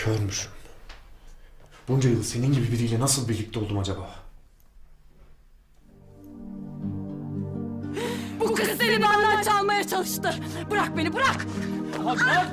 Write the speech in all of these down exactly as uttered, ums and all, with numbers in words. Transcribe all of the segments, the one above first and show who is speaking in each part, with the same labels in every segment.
Speaker 1: Körmüşüm. Bunca yıl senin gibi biriyle nasıl birlikte oldum acaba?
Speaker 2: Bu kız seni benden çalmaya çalıştı. Bırak beni, bırak!
Speaker 3: Bırak!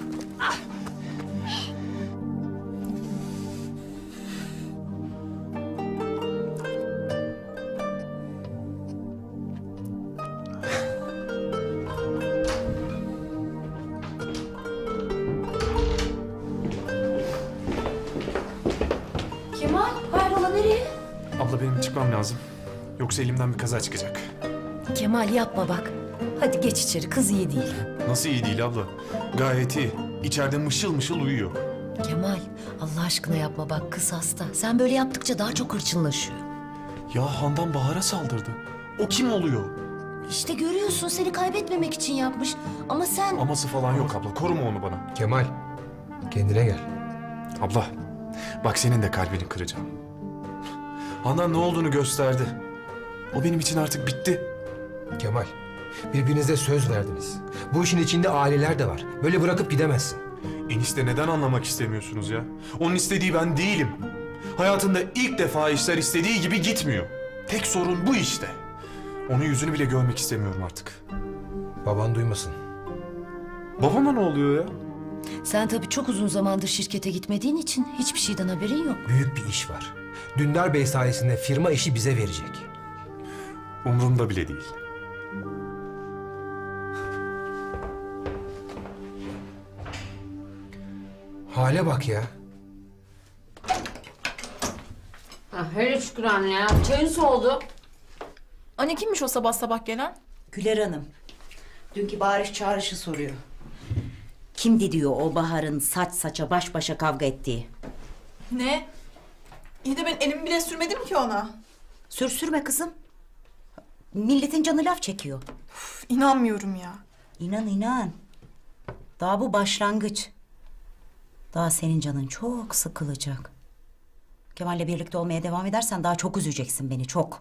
Speaker 2: Kemal, hayrola nereye?
Speaker 1: Abla benim çıkmam lazım. Yoksa elimden bir kaza çıkacak.
Speaker 4: Kemal yapma bak. Hadi geç içeri, kız iyi değil.
Speaker 1: Nasıl iyi değil abla? Gayet iyi. İçeride mışıl mışıl uyuyor.
Speaker 4: Kemal Allah aşkına yapma bak, kız hasta. Sen böyle yaptıkça daha çok hırçınlaşıyor.
Speaker 1: Ya Handan Bahar'a saldırdı. O kim oluyor?
Speaker 4: İşte görüyorsun, seni kaybetmemek için yapmış. Ama sen...
Speaker 1: Aması falan yok abla. Koruma onu bana.
Speaker 3: Kemal, kendine gel.
Speaker 1: Abla, bak senin de kalbini kıracağım. Handan ne olduğunu gösterdi. O benim için artık bitti.
Speaker 3: Kemal, birbirinize söz verdiniz. Bu işin içinde aileler de var. Böyle bırakıp gidemezsin.
Speaker 1: Enişte neden anlamak istemiyorsunuz ya? Onun istediği ben değilim. Hayatında ilk defa işler istediği gibi gitmiyor. Tek sorun bu işte. Onun yüzünü bile görmek istemiyorum artık.
Speaker 3: Baban duymasın.
Speaker 1: Babama ne oluyor ya?
Speaker 4: Sen tabii çok uzun zamandır şirkete gitmediğin için hiçbir şeyden haberin yok.
Speaker 3: Büyük bir iş var. Dündar Bey sayesinde firma işi bize verecek.
Speaker 1: Umurumda bile değil.
Speaker 3: Hale bak ya.
Speaker 2: Ha, hele şükür anne ya. Çayın soğudu.
Speaker 5: Anne kimmiş o sabah sabah gelen?
Speaker 6: Güler Hanım, dünkü bağırış çağrışı soruyor. Kimdi diyor o Bahar'ın saç saça baş başa kavga ettiği?
Speaker 5: Ne? İyi de ben elimi bile sürmedim ki ona.
Speaker 6: Sürsürme kızım. Milletin canı laf çekiyor.
Speaker 5: Üf, İnanmıyorum ya.
Speaker 6: İnan inan. Daha bu başlangıç. Daha senin canın çok sıkılacak. Kemal'le birlikte olmaya devam edersen daha çok üzeceksin beni, çok.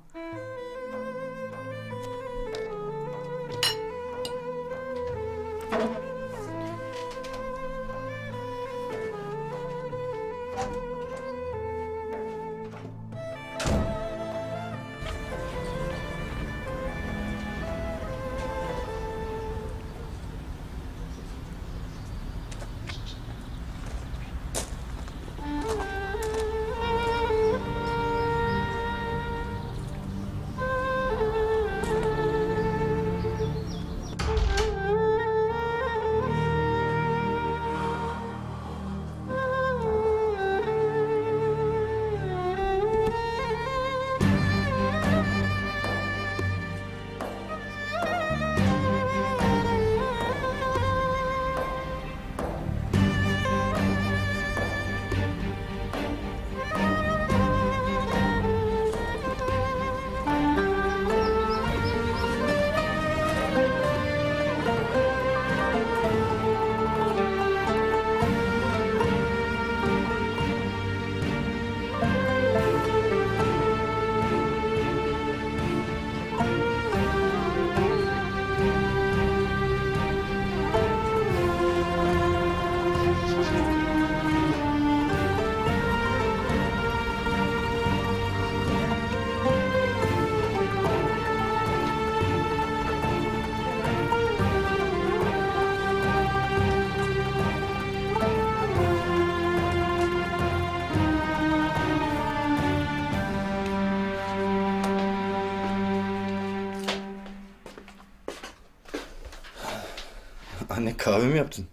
Speaker 7: Anne kahve mi yaptın?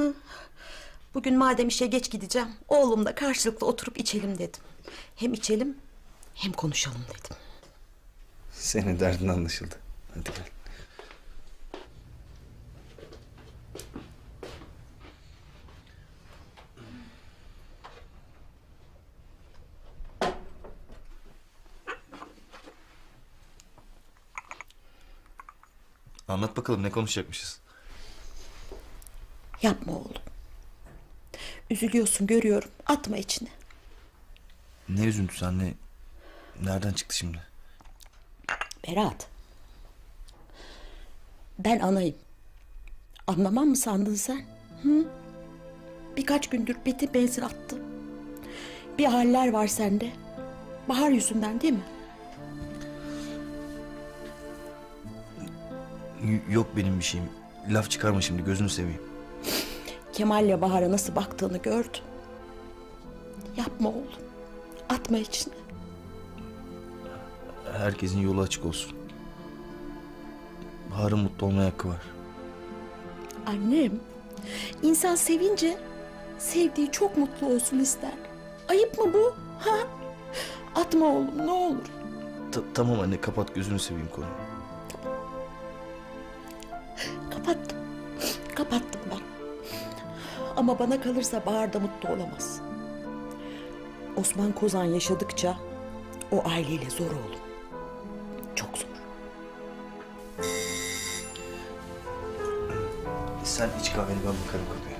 Speaker 8: Bugün madem işe geç gideceğim, oğlumla karşılıklı oturup içelim dedim. Hem içelim, hem konuşalım dedim.
Speaker 7: Senin derdin anlaşıldı. Hadi gel. Anlat bakalım ne konuşacakmışız?
Speaker 8: Yapma oğlum. Üzülüyorsun görüyorum, atma içine.
Speaker 7: Ne üzüntüsü anne? Nereden çıktı şimdi?
Speaker 8: Berat. Ben anayım. Anlamam mı sandın sen? Hı? Birkaç gündür beti benzin attı. Bir haller var sende. Bahar yüzünden değil mi?
Speaker 7: Y- yok benim bir şeyim. Laf çıkarma şimdi, gözünü seveyim.
Speaker 8: Kemal'le Bahar'a nasıl baktığını gördüm. Yapma oğlum. Atma içine.
Speaker 7: Herkesin yolu açık olsun. Bahar'ın mutlu olmaya hakkı var.
Speaker 8: Annem, insan sevince sevdiği çok mutlu olsun ister. Ayıp mı bu? Ha? Atma oğlum ne olur.
Speaker 7: Ta- tamam anne, kapat, gözünü seveyim konuyu.
Speaker 8: Kapattım. Kapattım ben. Ama bana kalırsa Bahar da mutlu olamaz. Osman Kozan yaşadıkça o aileyle zor oğlum. Çok zor.
Speaker 7: Sen iç kahveni, ben bakarım kapıya.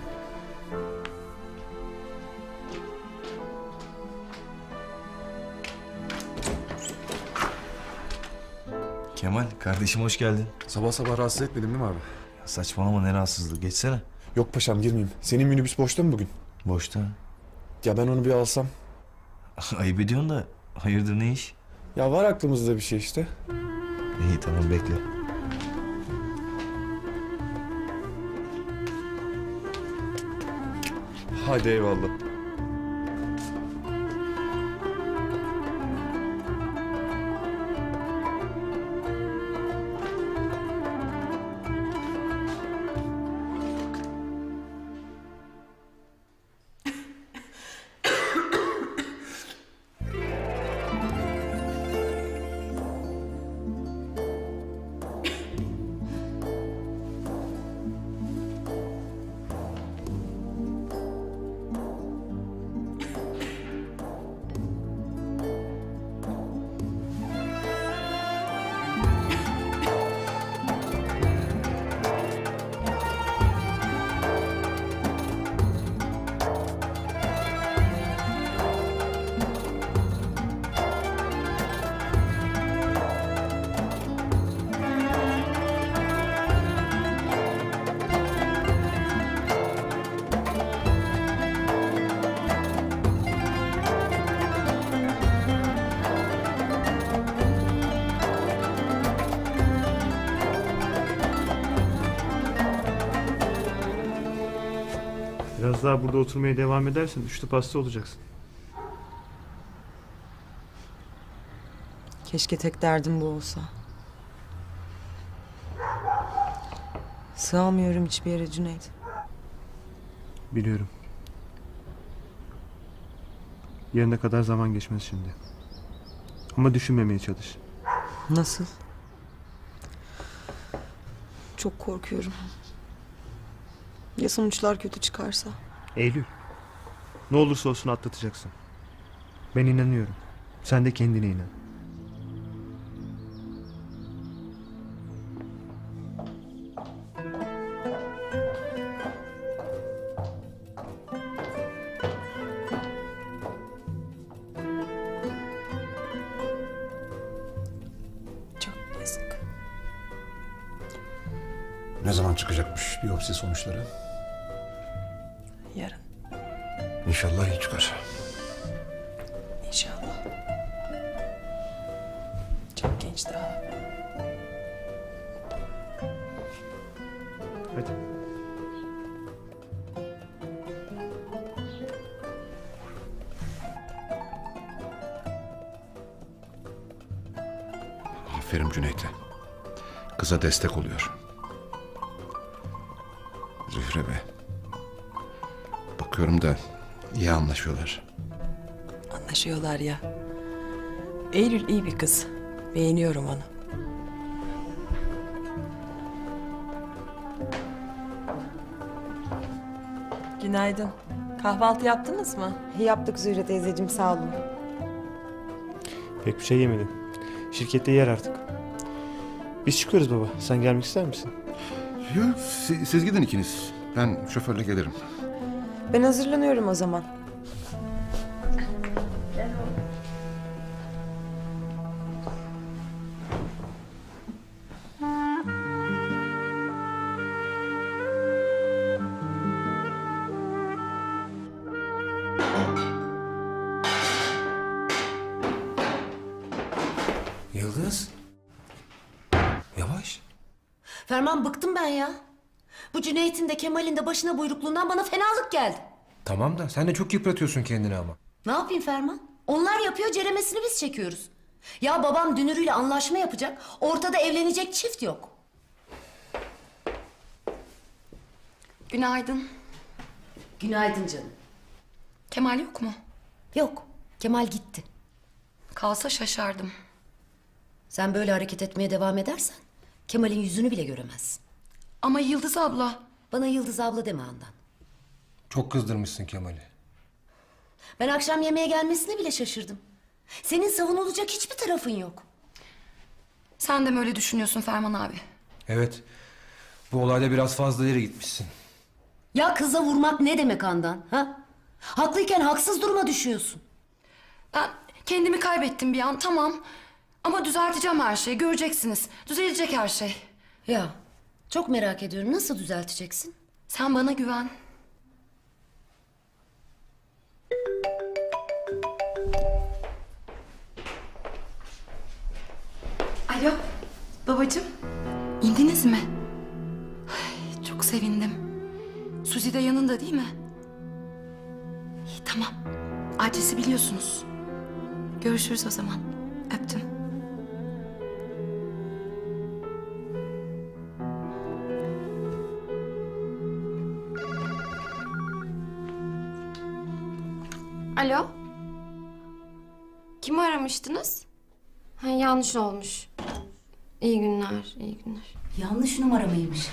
Speaker 7: Kemal, kardeşim hoş geldin.
Speaker 1: Sabah sabah rahatsız etmedim değil mi abi?
Speaker 7: Ya saçmalama, ne rahatsızlığı, geçsene.
Speaker 1: Yok paşam girmeyeyim. Senin minibüs boşta mı bugün?
Speaker 7: Boşta.
Speaker 1: Ya ben onu bir alsam.
Speaker 7: Ayıp ediyorsun da, hayırdır, ne iş?
Speaker 1: Ya var aklımızda bir şey işte.
Speaker 7: İyi tamam, bekle.
Speaker 1: Hadi eyvallah.
Speaker 9: Biraz daha burada oturmaya devam edersen üçlü pasta olacaksın.
Speaker 10: Keşke tek derdim bu olsa. Sığamıyorum hiçbir yere Cüneyt.
Speaker 9: Biliyorum. Yarına kadar zaman geçmez şimdi. Ama düşünmemeye çalış.
Speaker 10: Nasıl? Çok korkuyorum. Ya sonuçlar kötü çıkarsa?
Speaker 9: Eylül. Ne olursa olsun atlatacaksın. Ben inanıyorum. Sen de kendine inan.
Speaker 10: Çok yazık.
Speaker 11: Ne zaman çıkacakmış biyopsi sonuçları?
Speaker 10: Yarın
Speaker 11: İnşallah iyi çıkar.
Speaker 10: inşallah. Çok genç daha.
Speaker 9: Hadi.
Speaker 11: Aferin Cüneyt'e. Kıza destek oluyor. Zühre be. Bakıyorum da iyi anlaşıyorlar.
Speaker 10: Anlaşıyorlar ya. Eylül iyi bir kız. Beğeniyorum onu. Günaydın. Kahvaltı yaptınız mı?
Speaker 8: Yaptık Zühre teyzeciğim sağ olun.
Speaker 9: Pek bir şey yemedim. Şirkette yer artık. Biz çıkıyoruz baba. Sen gelmek ister misin?
Speaker 11: Yok, siz, siz gidin ikiniz. Ben şoförle gelirim.
Speaker 10: Ben hazırlanıyorum o zaman.
Speaker 4: Ferman bıktım ben ya. Bu Cüneyt'in de Kemal'in de başına buyrukluğundan bana fenalık geldi.
Speaker 3: Tamam da sen de çok yıpratıyorsun kendini ama.
Speaker 4: Ne yapayım Ferman? Onlar yapıyor, ceremesini biz çekiyoruz. Ya babam Dünürü'yle anlaşma yapacak, ortada evlenecek çift yok.
Speaker 2: Günaydın.
Speaker 4: Günaydın canım.
Speaker 2: Kemal yok mu?
Speaker 4: Yok, Kemal gitti.
Speaker 2: Kalsa şaşardım.
Speaker 4: Sen böyle hareket etmeye devam edersen Kemal'in yüzünü bile göremezsin.
Speaker 2: Ama Yıldız abla.
Speaker 4: Bana Yıldız abla deme Handan.
Speaker 3: Çok kızdırmışsın Kemal'i.
Speaker 4: Ben akşam yemeğe gelmesine bile şaşırdım. Senin savunulacak hiçbir tarafın yok.
Speaker 2: Sen de mi öyle düşünüyorsun Ferman abi?
Speaker 3: Evet. Bu olayda biraz fazla ileri gitmişsin.
Speaker 4: Ya kıza vurmak ne demek Handan? Ha? Haklıyken haksız duruma düşüyorsun.
Speaker 2: Ben kendimi kaybettim bir an, tamam. Ama düzelteceğim her şeyi, göreceksiniz. Düzelecek her şey.
Speaker 4: Ya çok merak ediyorum, nasıl düzelteceksin?
Speaker 2: Sen bana güven. Alo, babacığım. İndiniz mi? Ay, çok sevindim. Suzi de yanında değil mi? İyi, tamam. Adresi biliyorsunuz. Görüşürüz o zaman. Öptüm.
Speaker 12: Alo? Kimi aramıştınız? Ha, yanlış olmuş. İyi günler, iyi günler.
Speaker 6: Yanlış numara mıymış?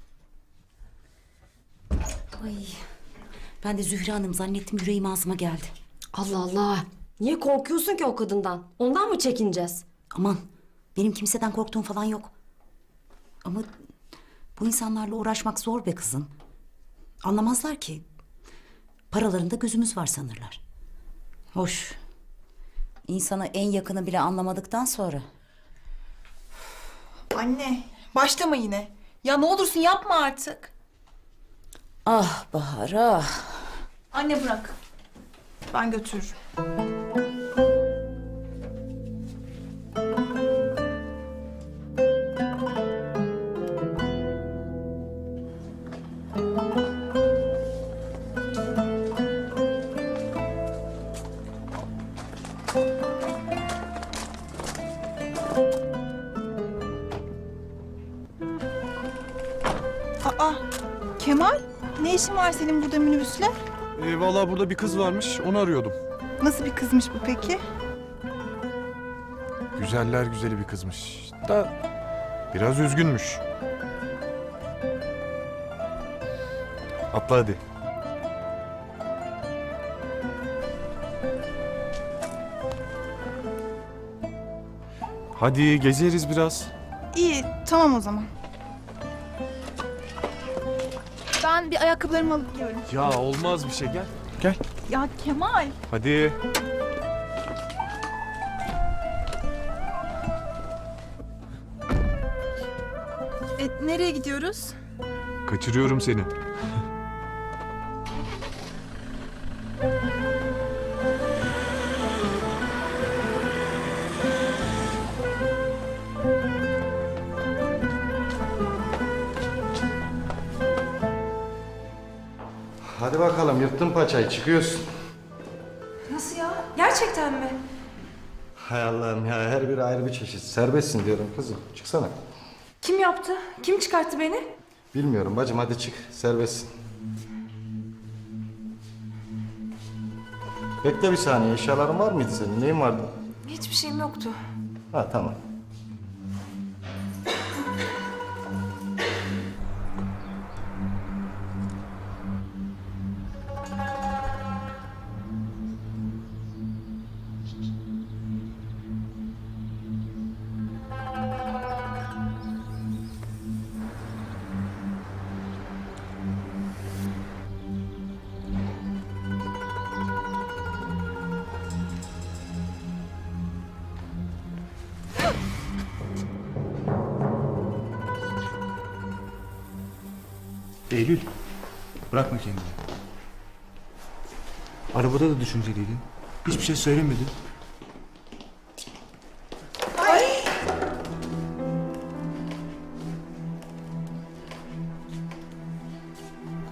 Speaker 6: Ay. Ben de Zühre Hanım zannettim, yüreğim ağzıma geldi.
Speaker 12: Allah Allah. Niye korkuyorsun ki o kadından? Ondan mı çekineceğiz?
Speaker 6: Aman, benim kimseden korktuğum falan yok. Ama bu insanlarla uğraşmak zor be kızım. Anlamazlar ki. Paralarında gözümüz var sanırlar. Hoş. İnsana en yakını bile anlamadıktan sonra.
Speaker 5: Anne, başlama yine. Ya ne olursun yapma artık.
Speaker 6: Ah Bahar ah.
Speaker 5: Anne bırak. Ben götürürüm. Aa, Kemal, ne işin var senin burada minibüsle?
Speaker 1: Ee, vallahi burada bir kız varmış, onu arıyordum.
Speaker 5: Nasıl bir kızmış bu peki?
Speaker 1: Güzeller güzeli bir kızmış. Da biraz üzgünmüş. Atla hadi. Hadi gezeriz biraz.
Speaker 5: İyi, tamam o zaman. Ben bir ayakkabılarımı alıp geliyorum.
Speaker 1: Ya olmaz bir şey, gel. Gel.
Speaker 5: Ya Kemal.
Speaker 1: Hadi.
Speaker 5: E, nereye gidiyoruz?
Speaker 1: Kaçırıyorum seni.
Speaker 11: Hadi bakalım yırttın paçayı çıkıyorsun.
Speaker 12: Nasıl ya? Gerçekten mi?
Speaker 11: Hay Allah'ım ya her biri ayrı bir çeşit. Serbestsin diyorum kızım. Çıksana.
Speaker 12: Kim yaptı? Kim çıkarttı beni?
Speaker 11: Bilmiyorum bacım hadi çık. Serbestsin. Bekle bir saniye. Eşyaların var mıydı senin? Neyin vardı?
Speaker 12: Hiçbir şeyim yoktu.
Speaker 11: Ha tamam.
Speaker 7: Eylül, bırakma kendini. Arabada da düşünceliydin. Hiçbir şey söylemedin.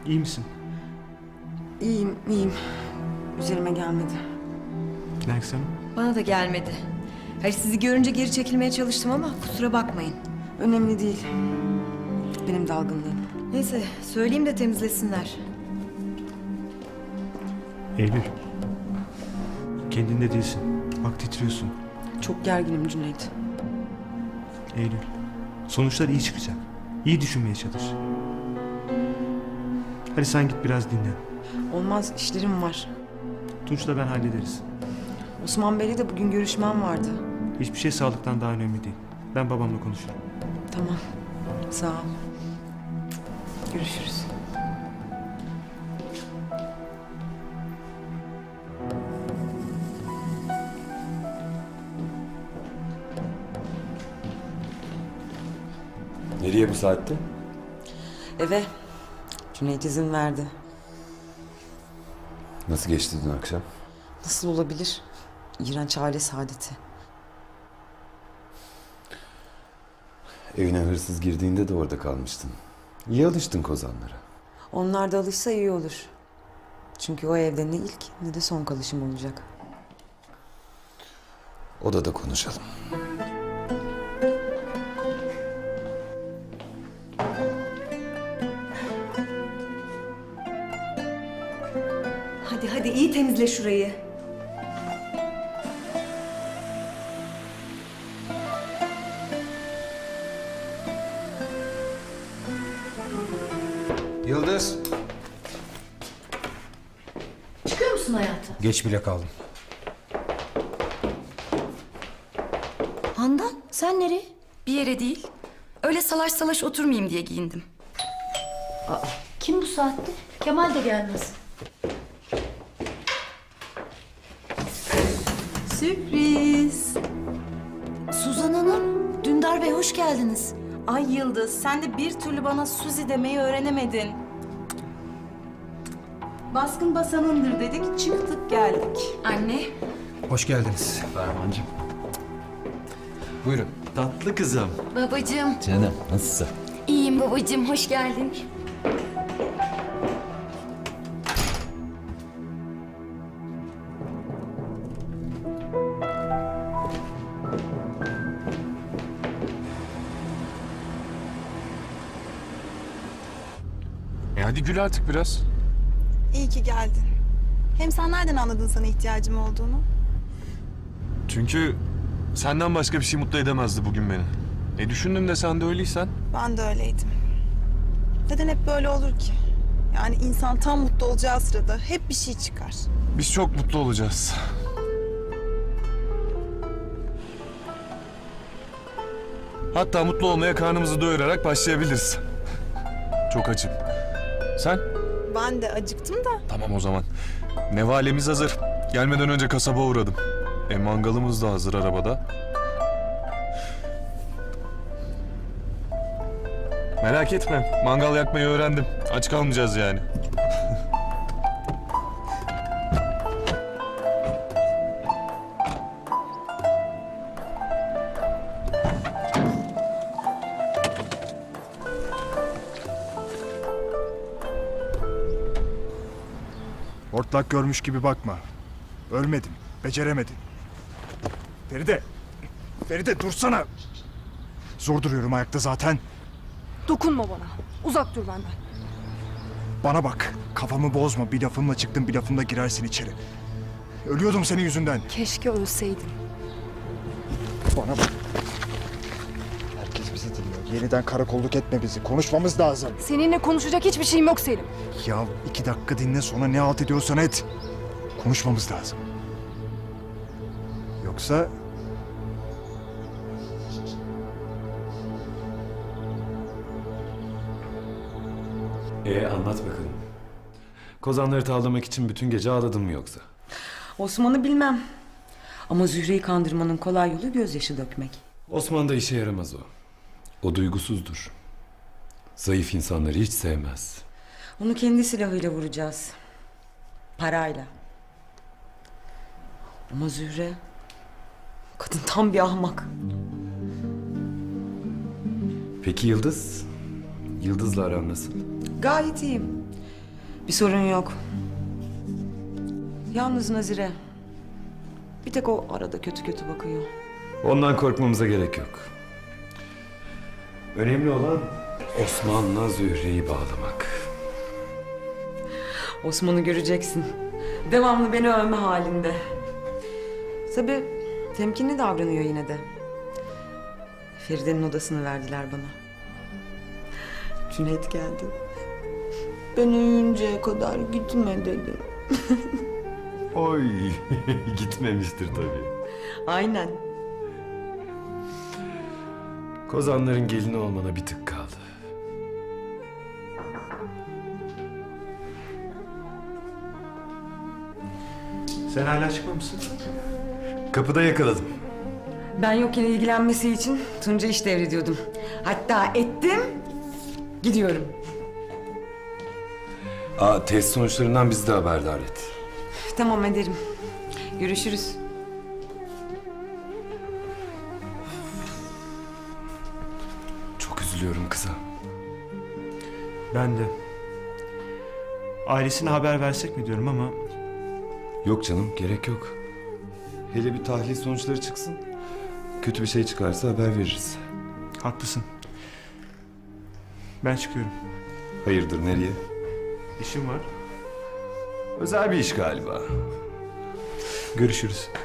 Speaker 9: İyi misin?
Speaker 10: İyiyim, iyiyim. Üzerime gelmedi.
Speaker 9: Nergis Hanım?
Speaker 13: Bana da gelmedi. Hayır, sizi görünce geri çekilmeye çalıştım ama kusura bakmayın.
Speaker 10: Önemli değil. Benim dalgınlığım.
Speaker 13: Neyse, söyleyeyim de temizlesinler.
Speaker 9: Eylül. Kendinde değilsin. Bak titriyorsun.
Speaker 10: Çok gerginim Cüneyt.
Speaker 9: Eylül. Sonuçlar iyi çıkacak. İyi düşünmeye çalış. Hadi sen git biraz dinlen.
Speaker 10: Olmaz, işlerim var.
Speaker 9: Tunç'la ben hallederiz.
Speaker 10: Osman Bey'le de bugün görüşmem vardı.
Speaker 9: Hiçbir şey sağlıktan daha önemli değil. Ben babamla konuşurum.
Speaker 10: Tamam, sağ ol. Görüşürüz.
Speaker 14: Nereye bu saatte?
Speaker 10: Eve. Cüneyt izin verdi.
Speaker 14: Nasıl geçti dün akşam?
Speaker 10: Nasıl olabilir? İğrenç aile saadeti.
Speaker 14: Evine hırsız girdiğinde de orada kalmıştın. İyi alıştın kozanlara.
Speaker 10: Onlar da alışsa iyi olur. Çünkü o evde ne ilk ne de son kalışım olacak.
Speaker 14: Odada konuşalım.
Speaker 13: Hadi hadi iyi temizle şurayı.
Speaker 3: Yıldız.
Speaker 4: Çıkıyor musun hayatım?
Speaker 3: Geç bile kaldım.
Speaker 4: Handan sen nereye?
Speaker 2: Bir yere değil. Öyle salaş salaş oturmayayım diye giyindim.
Speaker 4: Aa, kim bu saatte? Kemal de gelmez.
Speaker 13: Sürpriz.
Speaker 4: Suzan Hanım, Dündar Bey hoş geldiniz.
Speaker 13: Ay Yıldız, sen de bir türlü bana Suzi demeyi öğrenemedin. Baskın basanındır dedik, çıktık geldik.
Speaker 2: Anne.
Speaker 3: Hoş geldiniz.
Speaker 14: Fermancığım.
Speaker 3: Buyurun.
Speaker 14: Tatlı kızım.
Speaker 2: Babacığım.
Speaker 14: Canım nasılsın?
Speaker 2: İyiyim babacığım, hoş geldin.
Speaker 1: E hadi gül artık biraz.
Speaker 5: İyi ki geldin. Hem sen nereden anladın sana ihtiyacım olduğunu?
Speaker 1: Çünkü senden başka bir şey mutlu edemezdi bugün beni. E düşündüm de sen de öyleysen.
Speaker 5: Ben de öyleydim. Neden hep böyle olur ki? Yani insan tam mutlu olacağı sırada hep bir şey çıkar.
Speaker 1: Biz çok mutlu olacağız. Hatta mutlu olmaya karnımızı doyurarak başlayabiliriz. Çok açım. Sen?
Speaker 5: Ben de acıktım da.
Speaker 1: Tamam o zaman. Nevalemiz hazır. Gelmeden önce kasaba uğradım. E mangalımız da hazır arabada. Merak etme. Mangal yakmayı öğrendim. Aç kalmayacağız yani.
Speaker 15: Hortlak görmüş gibi bakma. Ölmedin, beceremedin. Feride, Feride dursana. Zor duruyorum ayakta zaten.
Speaker 5: Dokunma bana. Uzak dur benden.
Speaker 15: Bana bak, kafamı bozma. Bir lafımla çıktın, bir lafımla girersin içeri. Ölüyordum senin yüzünden.
Speaker 5: Keşke ölseydin.
Speaker 15: Bana bak. Herkes bizi dinliyor. Yeniden karakolluk etme bizi. Konuşmamız lazım.
Speaker 5: Seninle konuşacak hiçbir şeyim yok Selim.
Speaker 15: Ya iki dakika dinle, sonra ne halt ediyorsan et. Konuşmamız lazım. Yoksa...
Speaker 14: Ee anlat bakalım. Kozanları tavlamak için bütün gece ağladın mı yoksa?
Speaker 10: Osman'ı bilmem. Ama Zühre'yi kandırmanın kolay yolu gözyaşı dökmek.
Speaker 14: Osman da işe yaramaz o. O duygusuzdur. Zayıf insanları hiç sevmez.
Speaker 10: Onu kendi silahıyla vuracağız. Parayla. Ama Zühre... Kadın tam bir ahmak.
Speaker 14: Peki Yıldız? Yıldız'la aran nasıl?
Speaker 10: Gayet iyiyim. Bir sorun yok. Yalnız Nazire. Bir tek o arada kötü kötü bakıyor.
Speaker 14: Ondan korkmamıza gerek yok. Önemli olan Osman'la Zühre'yi bağlamak.
Speaker 10: Osman'ı göreceksin. Devamlı beni övme halinde. Tabii temkinli davranıyor yine de. Feride'nin odasını verdiler bana. Cüneyt geldi. Ben uyuyuncaya kadar gitme dedi.
Speaker 14: Oy, gitmemiştir tabii.
Speaker 10: Aynen.
Speaker 14: Kozanların gelini olmana bir tık kaldı.
Speaker 9: Sen hala çıkmamışsın.
Speaker 14: Kapıda yakaladım.
Speaker 10: Ben yokken ilgilenmesi için Tunca iş devrediyordum. Hatta ettim, gidiyorum.
Speaker 14: Aa, test sonuçlarından bizi de haberdar et.
Speaker 10: Tamam ederim. Görüşürüz.
Speaker 14: Çok üzülüyorum kıza.
Speaker 9: Ben de. Ailesine haber versek mi diyorum ama...
Speaker 14: Yok canım, gerek yok. Hele bir tahlil sonuçları çıksın. Kötü bir şey çıkarsa haber veririz.
Speaker 9: Haklısın. Ben çıkıyorum.
Speaker 14: Hayırdır, nereye?
Speaker 9: İşim var.
Speaker 14: Özel bir iş galiba.
Speaker 9: Görüşürüz.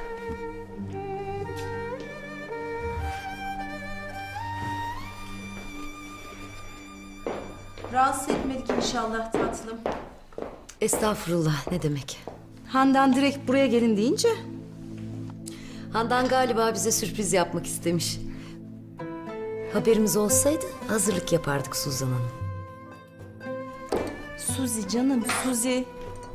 Speaker 8: Rahatsız etmedik inşallah tatlım.
Speaker 4: Estağfurullah, ne demek?
Speaker 6: Handan direkt buraya gelin deyince
Speaker 4: Handan galiba bize sürpriz yapmak istemiş. Haberimiz olsaydı hazırlık yapardık Suzan Hanım.
Speaker 8: Suzi canım, Suzi.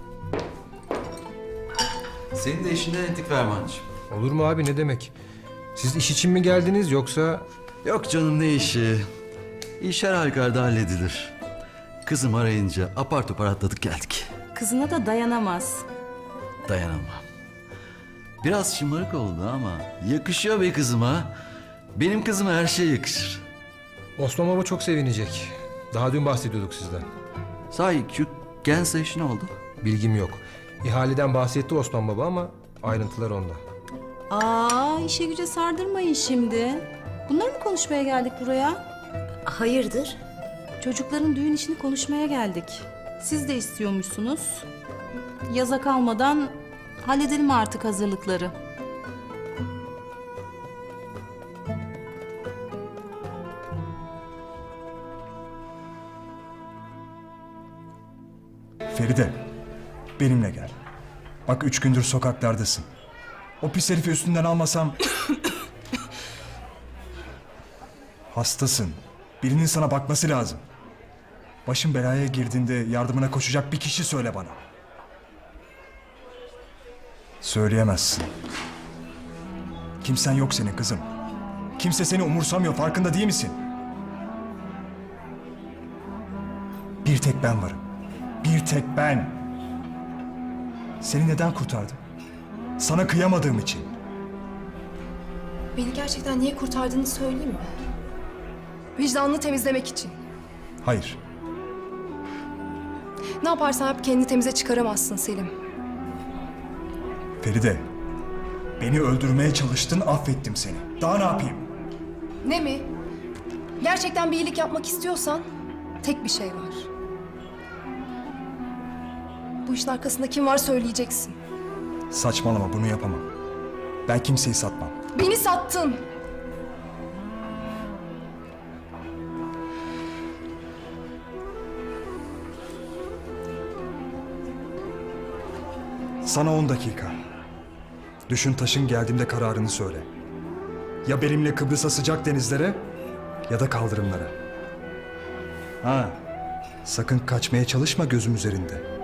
Speaker 7: Senin de işinden ettik Fermancığım.
Speaker 3: Olur mu abi, ne demek? Siz iş için mi geldiniz yoksa...
Speaker 7: Yok canım, ne işi? İş her halükarda halledilir. Kızım arayınca apar topar atladık geldik.
Speaker 8: Kızına da dayanamaz.
Speaker 7: Dayanamam. Biraz şımarık oldu ama yakışıyor be kızıma. Benim kızıma her şey yakışır.
Speaker 3: Osman Baba çok sevinecek. Daha dün bahsediyorduk sizden.
Speaker 7: Sahi şu Gensa işi ne oldu?
Speaker 3: Bilgim yok. İhaleden bahsetti Osman Baba ama ayrıntılar onda.
Speaker 8: Aa, işe güce sardırmayın şimdi. Bunları mı konuşmaya geldik buraya?
Speaker 4: Hayırdır?
Speaker 8: Çocukların düğün işini konuşmaya geldik. Siz de istiyormuşsunuz. Yaza kalmadan halledelim artık hazırlıkları.
Speaker 15: Feride, benimle gel. Bak üç gündür sokaklardasın. O pis herifi üstünden almasam... Hastasın. Birinin sana bakması lazım. Başın belaya girdiğinde yardımına koşacak bir kişi söyle bana. Söyleyemezsin. Kimsen yok senin kızım. Kimse seni umursamıyor, farkında değil misin? Bir tek ben varım. Bir tek ben. Seni neden kurtardım? Sana kıyamadığım için.
Speaker 2: Beni gerçekten niye kurtardığını söyleyeyim mi? Vicdanını temizlemek için.
Speaker 15: Hayır.
Speaker 2: Ne yaparsan yap kendini temize çıkaramazsın Selim.
Speaker 15: Feride, beni öldürmeye çalıştın, affettim seni. Daha ne yapayım?
Speaker 2: Ne mi? Gerçekten bir iyilik yapmak istiyorsan tek bir şey var. Bu işin arkasında kim var söyleyeceksin.
Speaker 15: Saçmalama, bunu yapamam. Ben kimseyi satmam.
Speaker 2: Beni sattın.
Speaker 15: Sana on dakika. Düşün taşın geldiğimde kararını söyle. Ya benimle Kıbrıs'a sıcak denizlere ya da kaldırımlara. Ha, sakın kaçmaya çalışma gözüm üzerinde.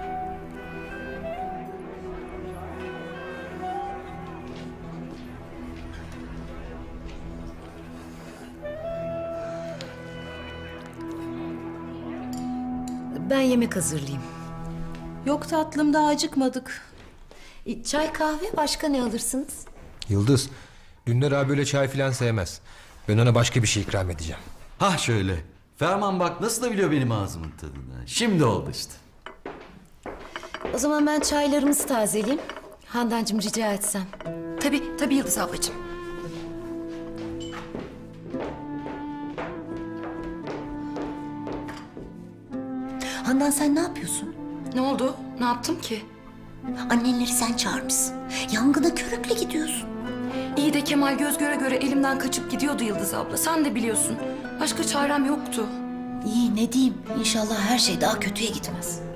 Speaker 4: Ben yemek hazırlayayım.
Speaker 8: Yok tatlım, daha acıkmadık.
Speaker 4: E, Çay kahve başka ne alırsınız?
Speaker 3: Yıldız, Dündar abi öyle çay filan sevmez. Ben ona başka bir şey ikram edeceğim.
Speaker 7: Hah şöyle. Ferman bak nasıl da biliyor benim ağzımın tadını. Şimdi oldu işte.
Speaker 4: O zaman ben çaylarımızı tazeleyeyim. Handancığım rica etsem.
Speaker 2: Tabii, tabii Yıldız ablacığım.
Speaker 6: Handan sen ne yapıyorsun?
Speaker 2: Ne oldu? Ne yaptım ki?
Speaker 6: Annenleri sen çağırmışsın. Yangına körükle gidiyorsun.
Speaker 2: İyi de Kemal göz göre göre elimden kaçıp gidiyordu Yıldız abla. Sen de biliyorsun. Başka çarem yoktu.
Speaker 6: İyi ne diyeyim? İnşallah her şey daha kötüye gitmez.